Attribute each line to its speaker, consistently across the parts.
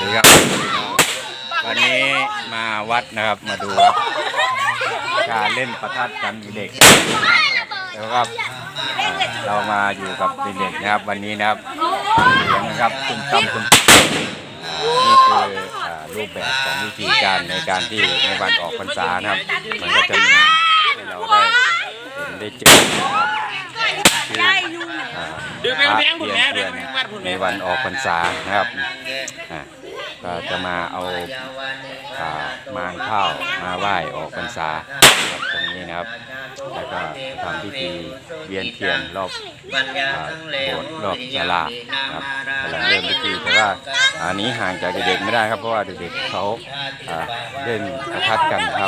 Speaker 1: ดีครับวันนี้มาวัดนะครับมาดูการเล่นประทัดกันเด็กแล้วครับเรามาอยู่กับเด็กๆนะครับวันนี้นะครับเสียงนะครับตุ้มตั้มตุ้มนี่คือรูปแบบของวิธีการในการที่ในวันออกพรรษานะครับมันก็จะมีให้เราได้เห็นได้เจอคือพระเทียนเทียนในวันออกพรรษานะครับก็จะมาเอามารข้าวมาไหว้ออกพรรษาตรงนี้นะครับแล้วก็ทำพิธีเวียนเทียนรอบโบสถ์รอบศาลาครับกำลังเริ่มพิธีแต่ว่าอันนี้ห่างจากเด็กๆไม่ได้ครับเพราะว่าเด็กๆเขาเล่นประทัดกันครับ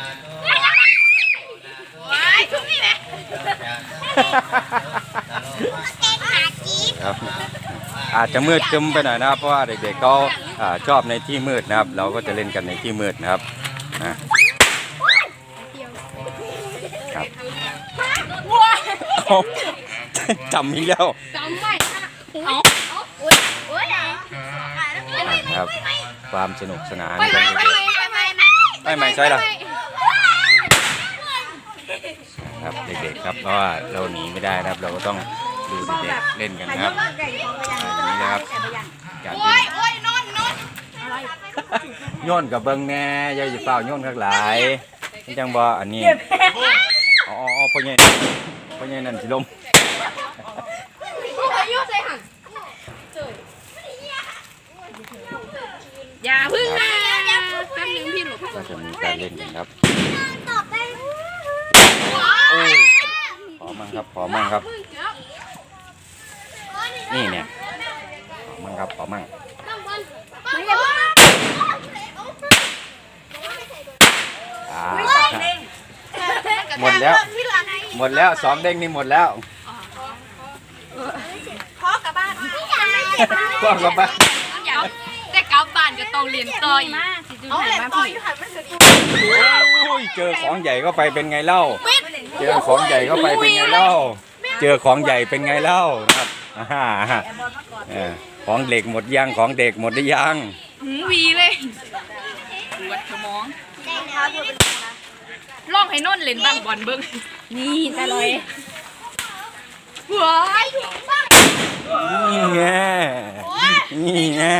Speaker 1: ครับอาจจะมืดคึมไปหน่อยนะครับเพราะว่าเด็กๆเขาชอบในที่มืดนะครับเราก็จะเล่นกันในที่มืดนะครับครับจำอีกแล้วครับความสนุกสนานกันไม่ใช่หรอครับเด็กๆครับเพราะว่าเราหนีไม่ได้นะครับเราก็ต้องดูเด็กๆเล่นกันนะครับอย่างนี้นะครับการเล่นโยนกับเบิ้งแน่ยายจะเปล่าโยนข้างหลายนี่จังบ่อันนี้อ๋อพ่อใหญ่นั่นสิลม
Speaker 2: อย่าพึ่งนะแป๊บนึงพี่หลบ
Speaker 1: ก็จะมีการเล่นกันครับโอ้ยขอมั่งครับนี่เนี่ยขอมั่งหมดแล้ว2เด้งนี่หมดแล้ว
Speaker 2: พ่อกลับบ้านแต่กลับบ้านก็ต้องเรียนต่ออีกเอาเรียนต่ออยู่ค่ะมัน
Speaker 1: โอ้ยเจอของใหญ่เข้าไปเป็นไงเล่าเจอของใหญ่เข้าไปเป็นไงเล่าเจอของใหญ่เป็นไงเล่าครับของเด็กหมดยังของเด็กหมดหรือยัง
Speaker 2: วีเลยปวดสมองลองให้นนเล่นบ้างบอลเบิ้งนี่ตาลอยว้าย
Speaker 1: นี่ไง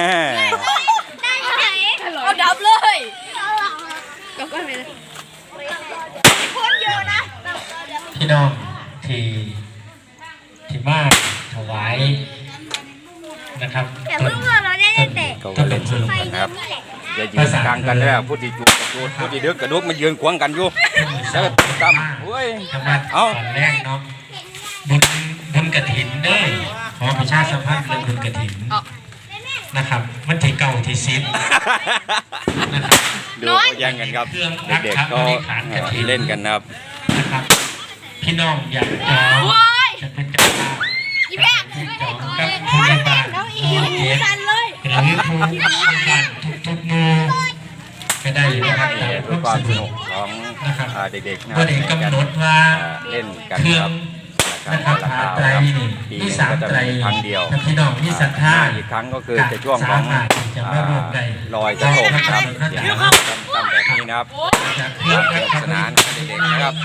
Speaker 2: เอาดับเลยก็ไปเลยคนเยอะนะ
Speaker 3: พี่น้องที่มาถวายนะครับ
Speaker 1: ก็เล่นสนุกกันครับอย่ายืนกลางกันเลยพูดที่จุดพูดที่เดือกกระดูกมันยืนขวางกันอยู่แล้วตั้มเฮ้ย
Speaker 3: เอาตอนแรกเนาะบุญกฐินเด้อขอประชาสัมพันธ์เรื่องบุญกฐินนะครับมันที่เก่าที่ซิด
Speaker 1: นะครับดูแย่งกันครับเด็กๆก็เล่นกันนะครับ
Speaker 3: พี่น้องอยากจองจะเป็นเจ้าภาพจองกับผู้ใหญ่บ้านผู้เกียรติหรือผู้ใหญ่บ้านทุกหมู่ก็ได้นะครับ
Speaker 1: เพื่อความสนุกของเด็กๆ
Speaker 3: นะครับกำหนดว่า
Speaker 1: เล่นกันครับ
Speaker 3: นะครับหาไตรนี่มี3ไตร
Speaker 1: ครั้งเดียว
Speaker 3: พี่น้องมีศรัทธา
Speaker 1: อีกครั้งก็คือจะช่วงของลอยกระทงครับอย่างตั้งแบบนี้นะครับสนุกสนานเด็กๆนะครับ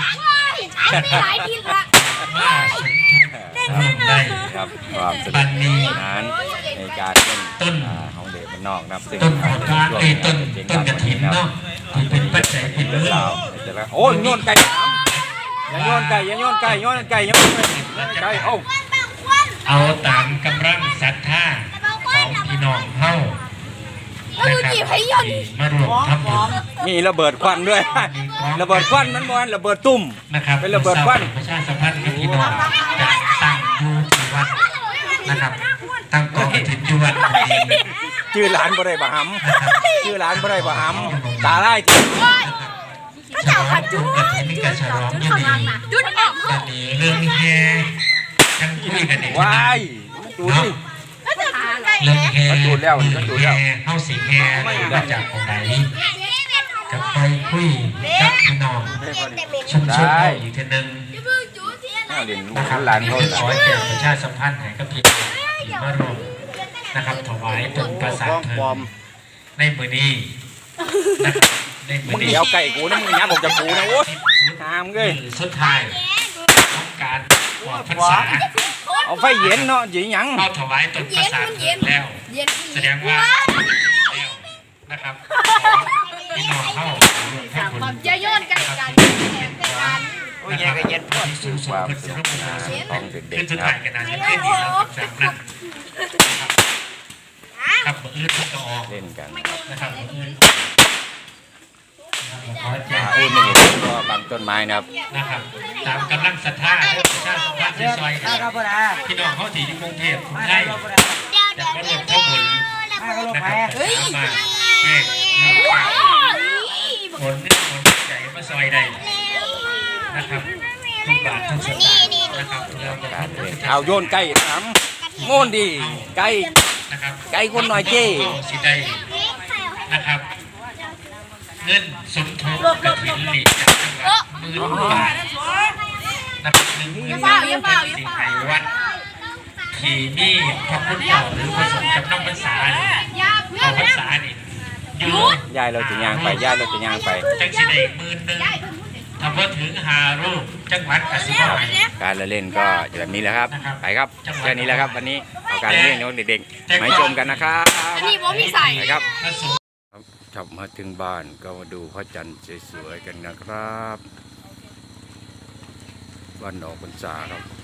Speaker 1: ครับความสนุกสนานในการเล่นของเด็กมันนอกนะครับซึ่ง
Speaker 3: ต้นกระถิ่นเนาะที่เป็นปัจจัยเป็นเรื่อง
Speaker 1: โอ้ยโยนไก่อย่าโยนไก่
Speaker 3: เอาตามกำลังศรัทธาของพี่น้องเฮามาร่วมทำบุญ
Speaker 1: มีระเบิดควันด้วยระเบิดควันมันบอลระเบิดตุ่ม
Speaker 3: นะครับ
Speaker 1: เป็นระเบิดควัน
Speaker 3: ประชาสัมพันธ์กับพี่น้องจะตั้งอยู่ที่วัดนะครับตั้งกองกฐินอยู่วัด
Speaker 1: ชื่อหลานบ่ได้บ่หำตาไล่ที่
Speaker 3: ฉลองจุดกฐินกับฉลองอยู่ดีกันนี่เรื่องแห่ทั้งคุยกันนี่
Speaker 1: ว้ายดูดิ
Speaker 3: เรื่องแห่เข้าสิงแห่มาจากของไหนกับไปคุยกับพี่น้องชุมชนเราอีกทีนึง
Speaker 1: นะครับหลานเขา
Speaker 3: ขอแก่ประชาสัมพันธ์ให้กับพี่น้องที่มาร่วมนะครับถวายเป็นประสาทเพลิงในมือนี้นะครับในมื
Speaker 1: มึ
Speaker 3: อง นี้
Speaker 1: เดี๋ยวไก่กูนะมึงยัดบอกจะกูนะโอ้ยหามเลย
Speaker 3: มือสุดท้ายของการออกพรรษา
Speaker 1: เอาไฟเย็นเนาะหยัง
Speaker 3: เข้าถวายตนประสาทแล้ว
Speaker 2: เย็น
Speaker 3: แสดงว่าแล้วนะครับของพี่น้องเข้ารวมทั้งบุญ
Speaker 2: จะโยนกันกัน
Speaker 3: โอ้ยยังก็เย็นพอดสูงสุดขึ้นสิรูปโมสูงขึ้นสุดท้ายกันนะจะขึ้นดีแล้วจากนั้นครับมืออื่นก็ออก
Speaker 1: เล่นกัน
Speaker 3: นะครับมืออื่นขอแจ้ง
Speaker 1: อุ้ยไม่เห็นก็บางต้นไม้นะครับ
Speaker 3: นะครับตามกำลังศรัทธาและประชาสัมพันธ์ที่ซอยกันพี่น้องเขาที่อยู่กรุงเทพกรุงไทยจะมารวมทั้งบุญนะครับสามารถแจ้งเรื่องผลใจมาซอยได้นะครับทุกบาททุกสตางค์นะครับเพื่อ
Speaker 1: การเล่นเอาโยนไก่ถามโง่นดีไก่
Speaker 3: นะครับ
Speaker 1: ไก่คนหน่อยเจ้
Speaker 3: สิได้นะครับ เงินสมทบกระถิ่นหลีกจากจังหวัด10,000 บาทนะครับ10,000 บาทสิ่งไทยวัดที่มีพระคุณเจ้าหรือผสมกับน้ำพรรษาเอาพรรษานี่อยู่
Speaker 1: ยายเราจะย่างไปยายเราจะย่างไป
Speaker 3: จังสิได้10,000ถ้าพอถึง5 รูปจังหวัดกสิกร
Speaker 1: การละเล่นก็แบบนี้แหละครับไปครับแค่นี้แหละครับวันนี้เอาการเล่นของเด็กๆมาชมกันนะครับ
Speaker 2: อันนี้ผมมีใส่
Speaker 1: ไปครับ
Speaker 3: พระสงฆ์
Speaker 1: ครับมาถึงบ้านก็มาดูพระจันทร์สวยๆกันนะครับวันออกพรรษาครับ